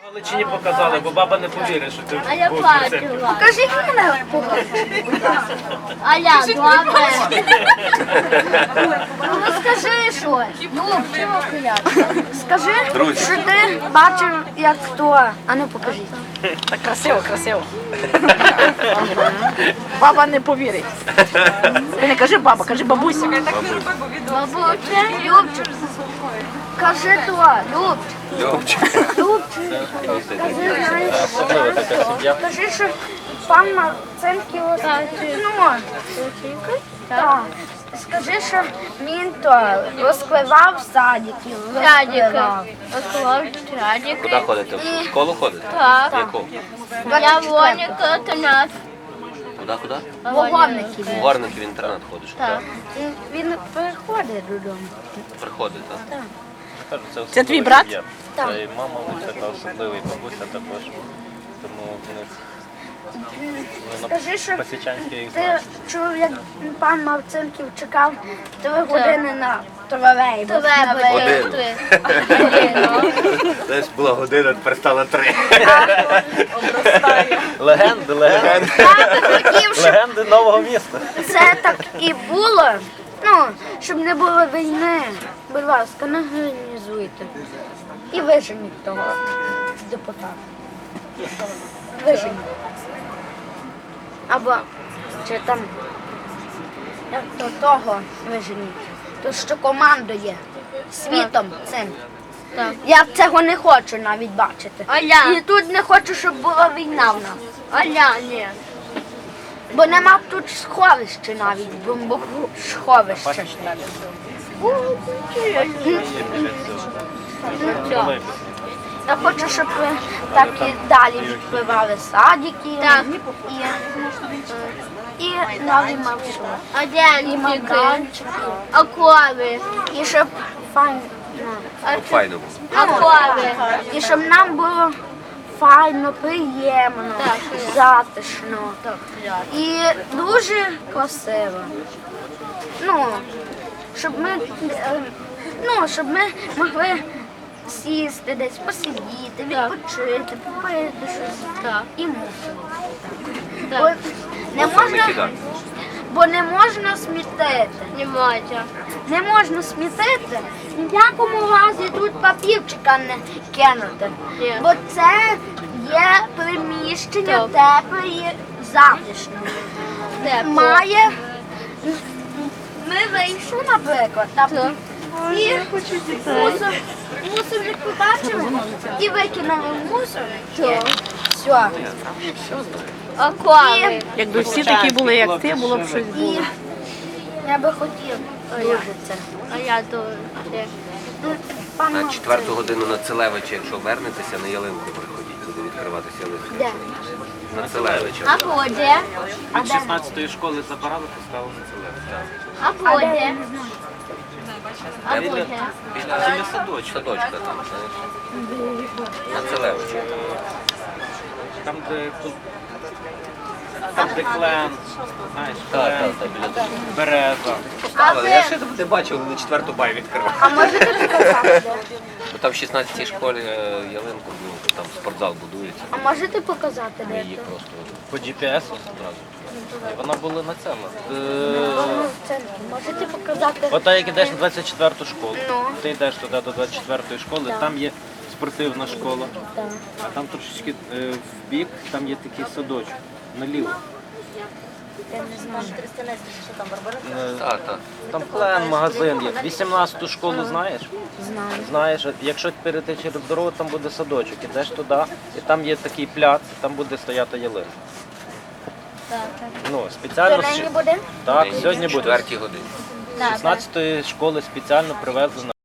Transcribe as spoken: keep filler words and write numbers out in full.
Галичині показали, бо баба не повірить, що ти А я був бачила. Покажіть мене погодження, будь ласка. А я добре. Ну скажи щось. Ну, чого хиляти? Скажи, що ти бачив, як хто. А ну покажіть. Так красиво, красиво. Баба не повірить. Ти не кажи баба, кажи бабуся. Бабуся, Любчик. Кажи то, Любчик. Любчик. Любчик. Кажи, знаєш, кажи, що пан Марцинків, ну, так. Скажи, що він то розкливав садиків. Радіки. Радіки. Куди ходите? В школу ходите? Так. Яку? Я Воніка, Тонат. Куди, куди? Вогонників. В Горники в інтернат ходиш. Так. Він приходить додому. Приходить, так? Це твій брат? Так. Та й мама така особливий, бабуся також. Тому вони Скажи, що Пасічанський їх ти знають. чув, як пан Марцинків чекав три години на тролейбус. Тебе Один. три. Десь була година, тепер стала три. Легенди, легенди. Хотів, щоб Легенди нового міста. це так і було. Ну, щоб не було війни. Будь ласка, не організуйте. І виженіть того депутата. Виженіть. Або чи там як то того виженіть. То що командує світом цим. Так. Я цього не хочу навіть бачити. А я? І тут не хочу, щоб була війна в нас. А я ні. Бо нема тут сховища навіть, бомбосховища. Я хочу, щоб ви так і далі відпливали садики Так. і, і нові маршрути. А І денчики. майданчики. А кови. І щоб файно. Файно було. А кови. І щоб нам було файно, приємно, Так. затишно і дуже красиво. Ну, щоб ми, е, ну, щоб ми могли сісти десь, посидіти, відпочити, попити щось Так. і мусимо. Так. Бо не Мусор не можна, кидати. бо не можна смітити. Не можна. Не можна смітити, ні в якому разі тут папірчика не кинути. Є. Бо це є приміщення Так. тепле і затишне. Тепло. Має. Ми вийшли, наприклад, там Так. і мусор, мусорник побачили і викинули в мусорник. Все. А кови. Якби всі такі були, як ти, було б щось І було. я би хотів дуже це. А я дуже. Ну, пан На Максим, четверту годину на Целевича, якщо вернетеся, на ялинку приходіть, буде відкриватися ялинка. де? На Целевича. А буде? Від шістнадцятої школи забирали, поставили на це. А буде? А Біля, буде? біля, біля садочка. Садочка там, знаєш. На Целевича. Там, де тут. Там, де клен, знаєш, Так, клен, так, так, біля того. береза. Але я ще не бачив, вони на четверту бай відкривали. А можете показати? Бо там в шістнадцятій школі е, ялинку, ну, там спортзал будується. А можете показати, Ми де її це? просто По джі пі ес одразу. І вона була на цьому. Е, Ну, в центрі. Можете показати? От так, як йдеш на двадцять четверту школу, Ну. ти йдеш туди до двадцять четвертої школи, там є спортивна школа, Так. а там трошечки е, в бік, там є такий садочок, наліво. Я не знаю. Е, Так, так. Там клен, магазин є. вісімнадцяту школу знаєш? Знаю. Знаєш, якщо перейти через дорогу, там буде садочок. Ідеш туди, і там є такий пляц, і там буде стояти ялинка. Ну, спеціально Сьогодні буде? так, Нині сьогодні в буде. четвертій годині. З шістнадцятої школи спеціально привезли на